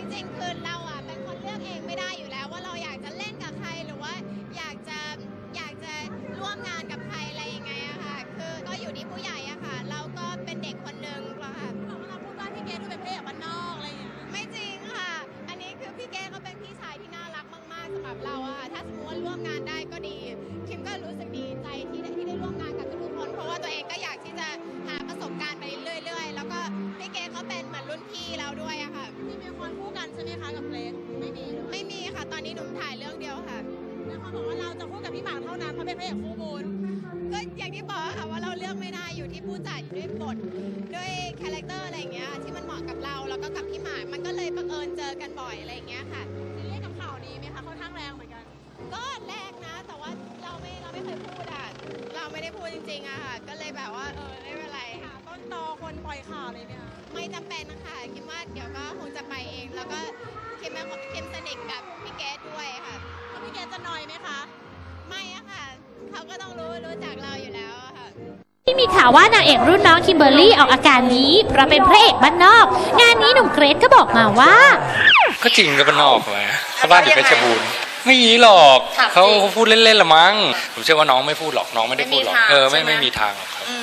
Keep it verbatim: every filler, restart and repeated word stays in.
ริงๆคือเราอ่ะเป็นคนเลือกเองไม่ได้อยู่แล้วว่าเราอยากจะเล่นกับใครหรือว่าอยากจะอยากจะร่วมงานกับใครอะไรยังไงอะค่ะคือก็อยู่ที่ผู้ใหญ่อะค่ะเราก็เป็นเด็กคนนึงค่ะบอกว่าเราพูดว่าพี่เกดดูเป็นพระเอกบ้านนอกอะไรอย่างเงี้ยไม่จริงค่ะอันนี้คือพี่เกดเขาเป็นพี่ชายที่น่ารักมากๆสำหรับเราอะค่ะถ้าสมมติว่าร่วมงานได้ก็ดีคิมก็รู้สึกดีใจที่ได้ที่ได้ร่วมงานกับทุกคนเพราะว่าตัวเองก็อยากที่จะหาประสบการณ์ไปเรื่อยๆแล้วก็พี่เกดเขาเป็นเหมือนรุ่นพี่เราด้วยอะค่ะมีมีคนคู่กันใช่ไหมคะกับเกรซไม่มีไม่มีค่ะตอนนี้หนุ่มถ่ายเรื่องเดียวค่ะแล้วเขาบอกว่าเราจะคู่กับพี่หมากเท่านั้นเพราะเป็นพระเอกคู่บุญก็อย่างที่บอกค่ะว่าเราเลือกไม่ได้อยู่ที่ผู้จัดด้วยบทด้วยคาแรคเตอร์อะไรอย่างเงี้ยที่มันเหมาะกับเราแล้วก็กับพี่หมากมันก็เลยบังเอิญเจอกันบ่อยอะไรอย่างเงี้ยค่ะซีรีส์กับข่าวนี้ไหมคะค่อนข้างแรงเหมือนกันก็แรงนะแต่ว่าเราไม่เราไม่เคยพูดอ่ะเราไม่ได้พูดจริงๆอะค่ะก็เลยแบบว่าเออไม่เป็นไรค่ะต้นตอคนปล่อยข่าวเลยเนี่ยไม่จำเป็นนะคะคิดว่าเดี๋ยวก็คงจะไปเองแล้วก็คิมคิมสนิทกับพี่เกดด้วยค่ะพี่เกดจะนอยไหมคะไม่อะค่ะเขาก็ต้องรู้รู้จักเราอยู่แล้วค่ะที่มีข่าวว่านางเอกรุ่นน้องคิมเบอร์รี่ออกอาการนี้เพราะเป็นพระเอกบ้านนอกงานนี้หนุ่มเกรซก็บอกมาว่าก็จริงก็บ้านนอกเลยเขาบ้านอยู่เพชรบูรณ์ไม่มีหรอกเขาพูดเล่นๆละมั้งผมเชื่อว่าน้องไม่พูดหรอกน้องไม่ได้พูดหรอกเออไม่ไม่มีทางหรอกครับ